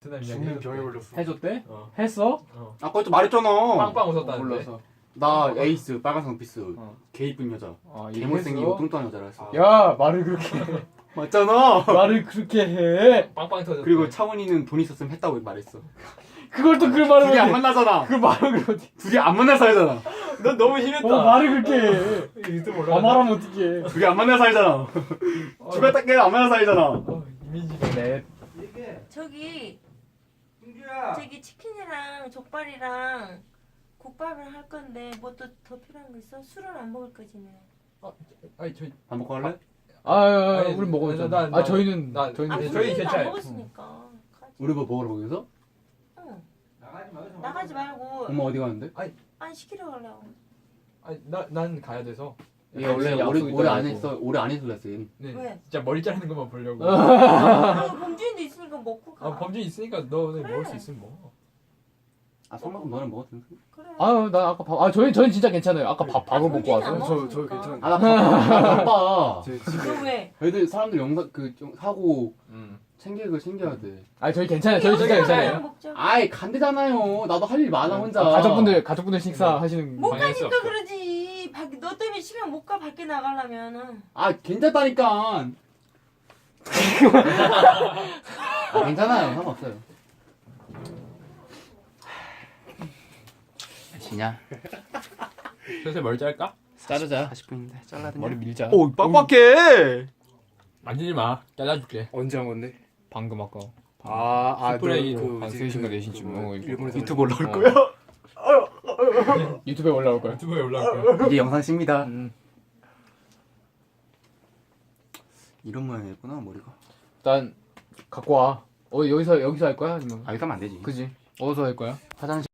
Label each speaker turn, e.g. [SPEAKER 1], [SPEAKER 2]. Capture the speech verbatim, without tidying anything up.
[SPEAKER 1] 베트남 이야기
[SPEAKER 2] 죽는
[SPEAKER 1] 해줬대.
[SPEAKER 2] 병에 걸렸어.
[SPEAKER 3] 해줬대?
[SPEAKER 1] 어.
[SPEAKER 3] 했어?
[SPEAKER 1] 어.
[SPEAKER 4] 아까 또 말했잖아.
[SPEAKER 1] 빵빵 웃었다는데.
[SPEAKER 3] 몰라서.
[SPEAKER 4] 나 에이스 빨간색 원피스
[SPEAKER 3] 어.
[SPEAKER 4] 개 이쁜 여자.
[SPEAKER 3] 아,
[SPEAKER 4] 개못생기고
[SPEAKER 3] 얘기했어?
[SPEAKER 4] 뚱뚱한 여자라 했어.
[SPEAKER 3] 야 말을 그렇게 해.
[SPEAKER 4] 맞잖아.
[SPEAKER 3] 말을 그렇게 해.
[SPEAKER 1] 빵빵 터졌대.
[SPEAKER 4] 그리고 차원이는 돈 있었으면 했다고 말했어.
[SPEAKER 3] 그걸 또 그 말을
[SPEAKER 4] 둘이 안
[SPEAKER 3] 해.
[SPEAKER 4] 만나잖아.
[SPEAKER 3] 그 말을 그렇게.
[SPEAKER 4] 둘이 안 만나 살잖아.
[SPEAKER 1] 넌 너무 심했다.
[SPEAKER 3] 어 말을 그렇게 해.
[SPEAKER 1] 유튜브
[SPEAKER 3] 아
[SPEAKER 1] 올라가.
[SPEAKER 3] 말하면 어떡해.
[SPEAKER 4] 둘이 안 만나 살잖아. 죽었다 깨도 안 만나 살잖아.
[SPEAKER 1] 어, 이미지가.
[SPEAKER 3] 네.
[SPEAKER 5] 저기
[SPEAKER 2] 승규야.
[SPEAKER 5] 저기 치킨이랑 족발이랑 국밥을 할 건데 뭐 또 더 필요한 거 있어? 술은 안 먹을 거지네.
[SPEAKER 1] 아니 저희
[SPEAKER 4] 밥 먹고 할래?
[SPEAKER 3] 아, 아, 아
[SPEAKER 1] 아니,
[SPEAKER 3] 우리 먹어야죠.
[SPEAKER 1] 나- 나-
[SPEAKER 3] 아 저희는
[SPEAKER 1] 나-
[SPEAKER 3] 저희는
[SPEAKER 5] 아,
[SPEAKER 1] 네,
[SPEAKER 3] 괜찮아요.
[SPEAKER 1] 저희
[SPEAKER 5] 우리는
[SPEAKER 1] 괜찮아요.
[SPEAKER 5] 안 먹었으니까. 가지.
[SPEAKER 4] 우리 뭐 먹으러 거기서?
[SPEAKER 5] 응.
[SPEAKER 2] 나가지 마.
[SPEAKER 5] 나가지 말고
[SPEAKER 4] 엄마 어디 가는데?
[SPEAKER 5] 아니 시키러 가려고.
[SPEAKER 1] 아니 나난 가야 돼서.
[SPEAKER 4] 얘 원래
[SPEAKER 3] 약속
[SPEAKER 4] 올해
[SPEAKER 3] 있다고
[SPEAKER 4] 올해 안
[SPEAKER 3] 했고.
[SPEAKER 4] 했어. 올해 안 했을랬어. 얘는.
[SPEAKER 1] 네.
[SPEAKER 5] 왜?
[SPEAKER 1] 진짜 머리 자르는 것만 보려고.
[SPEAKER 5] 그리고 범주인도 있으니까 먹고 가.
[SPEAKER 1] 아 범준 있으니까 너네
[SPEAKER 5] 그래.
[SPEAKER 1] 먹을 수 있으면 먹어.
[SPEAKER 4] 아 성만큼 너는 먹었든.
[SPEAKER 5] 그래.
[SPEAKER 3] 아나 아까 밥. 아 저희 저희 진짜 괜찮아요. 아까 밥 밥을 먹고
[SPEAKER 5] 범주인은 안
[SPEAKER 3] 와서.
[SPEAKER 2] 저- 저
[SPEAKER 5] 먹었으니까.
[SPEAKER 2] 괜찮은데.
[SPEAKER 4] 아나 바빠.
[SPEAKER 2] 제 집에
[SPEAKER 5] 너 왜?
[SPEAKER 4] 애들 사람들 영상 그 좀 사고
[SPEAKER 1] 음.
[SPEAKER 4] 챙길 거 챙겨야 돼.
[SPEAKER 3] 아 저희 괜찮아요. 저희 진짜
[SPEAKER 5] 여기서
[SPEAKER 3] 괜찮아요.
[SPEAKER 5] 먹자.
[SPEAKER 4] 아이 간대잖아요. 나도 할 일 많아 혼자.
[SPEAKER 3] 아, 가족분들 가족분들 식사 하시는.
[SPEAKER 5] 못
[SPEAKER 1] 방해할 수
[SPEAKER 5] 가니까
[SPEAKER 1] 없어.
[SPEAKER 5] 그러지. 밖- 너 때문에 시간 못 가 밖에 나가려면은.
[SPEAKER 4] 아 괜찮다니까. 아, 괜찮아요. 상관없어요. 지냐?
[SPEAKER 1] 슬슬 머리 자를까?
[SPEAKER 3] 자르자.
[SPEAKER 4] 사십 분인데 잘라야 되냐?
[SPEAKER 3] 머리 밀자.
[SPEAKER 2] 오 빡빡해.
[SPEAKER 1] 만지지 마. 잘라줄게.
[SPEAKER 2] 언제 한 건데?
[SPEAKER 3] 방금 아까
[SPEAKER 2] 아, 아,
[SPEAKER 1] 스프레이
[SPEAKER 2] 너 그,
[SPEAKER 3] 한
[SPEAKER 2] 이제
[SPEAKER 3] 세 시인가
[SPEAKER 2] 그-
[SPEAKER 3] 네 시쯤
[SPEAKER 2] 그거
[SPEAKER 3] 어, 이거.
[SPEAKER 2] 일본에서
[SPEAKER 4] 유튜브 올라올
[SPEAKER 3] 어.
[SPEAKER 4] 거야?
[SPEAKER 3] 유튜브에 올라올 거야.
[SPEAKER 1] 유튜브에 올라올 거야.
[SPEAKER 4] 이게 영상 씁니다.
[SPEAKER 3] 음.
[SPEAKER 4] 이런 모양이었구나 머리가.
[SPEAKER 3] 일단 갖고 와. 어 여기서 여기서 할 거야 아니면?
[SPEAKER 4] 아 이거 하면 안 되지.
[SPEAKER 3] 그지? 어디서 할 거야?
[SPEAKER 4] 화장실.